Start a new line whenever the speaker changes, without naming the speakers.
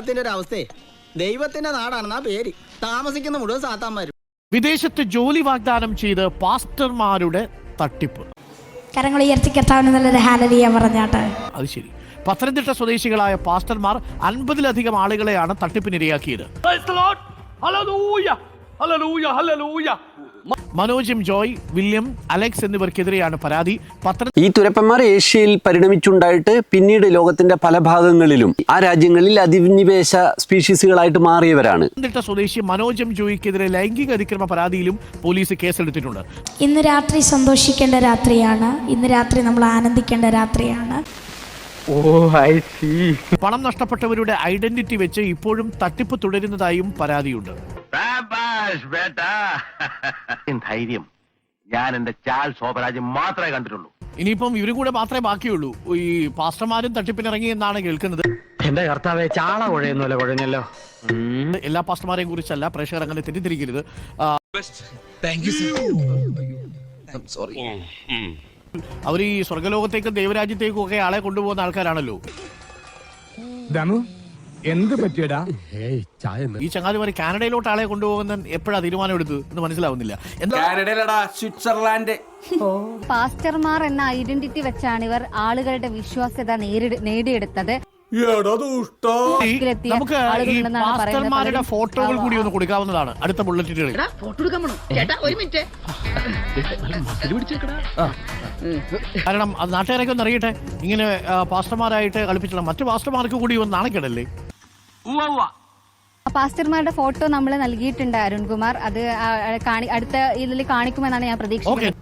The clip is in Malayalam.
കേരളത്തിന്റെ ഒരു അവസ്ഥയെ ദൈവത്തിന്റെ നാടാണെന്നാ പേര്. താമസിക്കുന്ന മുഴുവൻ സാത്താന്മാരും.
വിദേശത്ത് ജോലി വാഗ്ദാനം ചെയ്ത് പാസ്റ്റർമാരുടെ തട്ടിപ്പ്.
കരങ്ങൾ ഉയർത്തി കർത്താവിന് നല്ലൊരു ഹല്ലേലൂയ പറഞ്ഞാട്ടെ.
അത് ശരി. പത്തനംതിട്ട സ്വദേശികളായ പാസ്റ്റർമാർ 50-ലധികം ആളുകളെയാണ് തട്ടിപ്പിനിരയാക്കിയത്. Manoj M Joy, William, Alex എന്നിവർക്കെതിരെയാണ് പരാതി.
ഈ തുരപ്പന്മാർ ഏഷ്യയിൽ പരിണമിച്ചുണ്ടായിട്ട് പിന്നീട് ലോകത്തിന്റെ പല ഭാഗങ്ങളിലും ആ രാജ്യങ്ങളിൽ അധിനിവേശ സ്പീഷീസുകളായിട്ട് മാറിയവരാണ്.
പത്തനംതിട്ട സ്വദേശി മനോജ് എം ജോയിക്കെതിരെ ലൈംഗിക അതിക്രമ പരാതിയിലും പോലീസ് കേസെടുത്തിട്ടുണ്ട്.
ഇന്ന് രാത്രി സന്തോഷിക്കേണ്ട രാത്രിയാണ്. ഇന്ന് രാത്രി നമ്മൾ ആനന്ദിക്കേണ്ട രാത്രിയാണ്.
പണം നഷ്ടപ്പെട്ടവരുടെ ഐഡന്റിറ്റി വെച്ച് ഇപ്പോഴും തട്ടിപ്പ് തുടരുന്നതായും പരാതിയുണ്ട്.
ധൈര്യം ഞാൻ എന്റെ ചാൽ ശോഭരാജ് മാത്രമേ കണ്ടിട്ടുള്ളൂ.
ഇനിയിപ്പം ഇവരും കൂടെ മാത്രമേ ബാക്കിയുള്ളൂ. ഈ പാസ്റ്റർമാരും തട്ടിപ്പിനിറങ്ങി എന്നാണ് കേൾക്കുന്നത്.
എന്റെ കർത്താവേ, ചാള കുഴയുന്നല്ലോ കുഴഞ്ഞല്ലോ.
എല്ലാ പാസ്റ്റർമാരെയും കുറിച്ചല്ല, പ്രേക്ഷകർ അങ്ങനെ തെറ്റിദ്ധരിക്കരുത്. അവർ ഈ സ്വർഗലോകത്തേക്കും ദൈവരാജ്യത്തേക്കും ഒക്കെ ആളെ കൊണ്ടുപോകുന്ന ആൾക്കാരാണല്ലോ.
എന്ത് പറ്റിയടാ?
ഈ ചങ്ങാതിമാര് കാനഡയിലോട്ട് ആളെ കൊണ്ടുപോകുന്ന എപ്പോഴാ തീരുമാനം എടുത്തത് എന്ന് മനസ്സിലാവുന്നില്ല.
സ്വിറ്റ്സർലാൻഡ്.
പാസ്റ്റർമാർ എന്ന ഐഡന്റിറ്റി വെച്ചാണ് ഇവർ ആളുകളുടെ വിശ്വാസ്യത നേടിയെടുത്തത്.
നമുക്ക് ഈ പാസ്റ്റർമാരുടെ ഫോട്ടോകൾ കൂടി ഒന്ന് കൊടുക്കാവുന്നതാണ് അടുത്ത ബുള്ളറ്റിനുകളിൽ. കാരണം അത് നാട്ടുകാരൊക്കെ ഒന്ന് അറിയട്ടെ. ഇങ്ങനെ പാസ്റ്റർമാരായിട്ട് കളിപ്പിച്ചുള്ള മറ്റു പാസ്റ്റർമാർക്ക് കൂടി ഒന്ന് നാണക്കേടല്ലേ?
പാസ്റ്റർമാരുടെ ഫോട്ടോ നമ്മൾ നൽകിയിട്ടുണ്ട് അരുൺകുമാർ. അത് അടുത്ത ഇതിൽ കാണിക്കുമെന്നാണ് ഞാൻ പ്രതീക്ഷിക്കുന്നത്.